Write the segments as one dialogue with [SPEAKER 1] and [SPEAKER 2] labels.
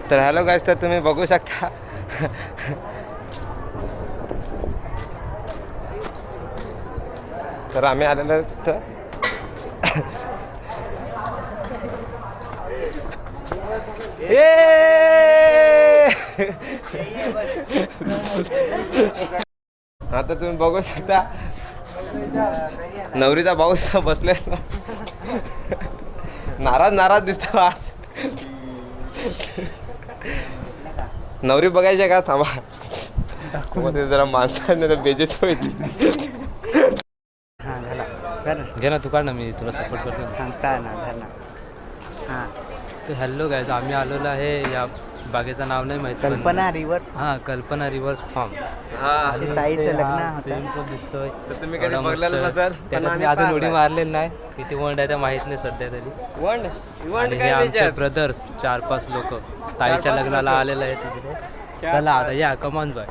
[SPEAKER 1] तर हॅलो गाईस, तर तुम्ही बघू शकता तर आम्ही आलेलो तर आता तुम्ही बघू शकता नवरीचा भाऊ बसलेला नाराज दिसतो आज. नवरी बघायची का? थांबा जरा माणसाने बेजेत व्हायची.
[SPEAKER 2] घे ना तू काढ ना, मी तुला सपोर्ट करतो.
[SPEAKER 3] सांगता ना धर ना. हां
[SPEAKER 2] तर हॅलो गाईज, आम्ही आलेलो आहे या बागेचं नाव नाही माहिती.
[SPEAKER 3] कल्पना रिवर.
[SPEAKER 2] हां, कल्पना रिव्हर्स फार्म.
[SPEAKER 3] ताईचं लग्न होतं.
[SPEAKER 2] दिसतोय.
[SPEAKER 1] तर तुम्ही कधी बघलेलं नसेल, पण
[SPEAKER 2] आम्ही अजून उडी मारलेली नाही. किती वंड आहे त्या माहित नाही सध्या तरी.
[SPEAKER 1] वंड
[SPEAKER 2] हे आमचे ब्रदर्स 4-5 लोक ताईच्या लग्नाला आलेले आहेत तिकडे. चला आता या, कमान बाय.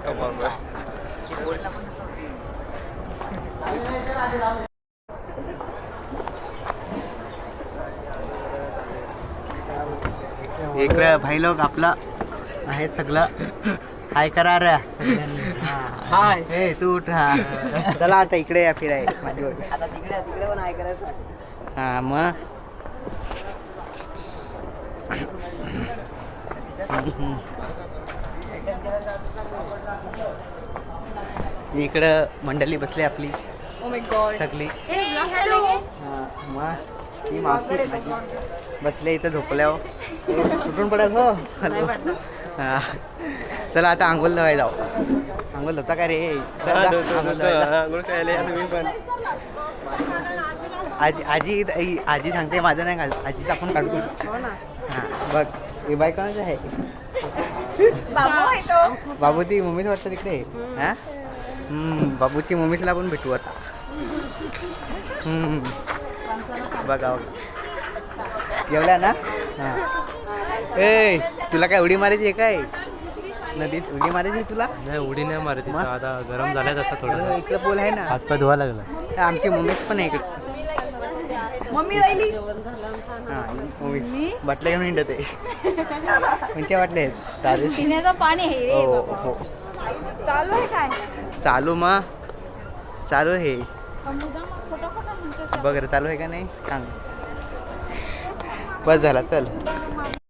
[SPEAKER 3] इकडं भाई लोक आपलं आहे सगळं. हाय करा रे. हाय. ए तू उठ. हा चला आता इकडे या फिराय माझी. आता तिकडे पण हाय करायचं. हा मग इकडं मंडळी बसली आपली सगळी. मग ही मावशी बसले इथं झोपल्यावर. कुठून पडत हो. हां चला आता आंघोळ धुवायला जाऊ. आंघोळ धुता का रे? आजी सांगते माझं नाही काढ. आजीचं आपण काढू. हां बघ हे बाय कोणाचं आहे? बाबू ती मम्मीच वाटतं तिकडे. हां बाबूची मम्मीला पण भेटू आता. बघा जेवल्या ना. हां ए तुला काय उडी मारायची आहे काय? नदीत उडी मारायची तुला?
[SPEAKER 2] नाही, उडी नाही मारत. आता गरम झालाय तसं थोडं.
[SPEAKER 3] इकडं बोल आहे ना.
[SPEAKER 2] हातपाय धुवा लागला.
[SPEAKER 3] आमची मम्मीच पण आहे इकडे.
[SPEAKER 4] मम्मी राहिली.
[SPEAKER 3] हां मम्मी बाटल्या घेऊन हिंडत आहे. कोणत्या बाटल्या आहेत?
[SPEAKER 4] पिण्याचं पाणी आहे रे
[SPEAKER 3] हो
[SPEAKER 4] बाबा.
[SPEAKER 3] हो
[SPEAKER 4] चालू आहे काय?
[SPEAKER 3] चालू मग चालू आहे.
[SPEAKER 4] खोटं
[SPEAKER 3] बघ रे चालू आहे का नाही सांग. बस झाला चल.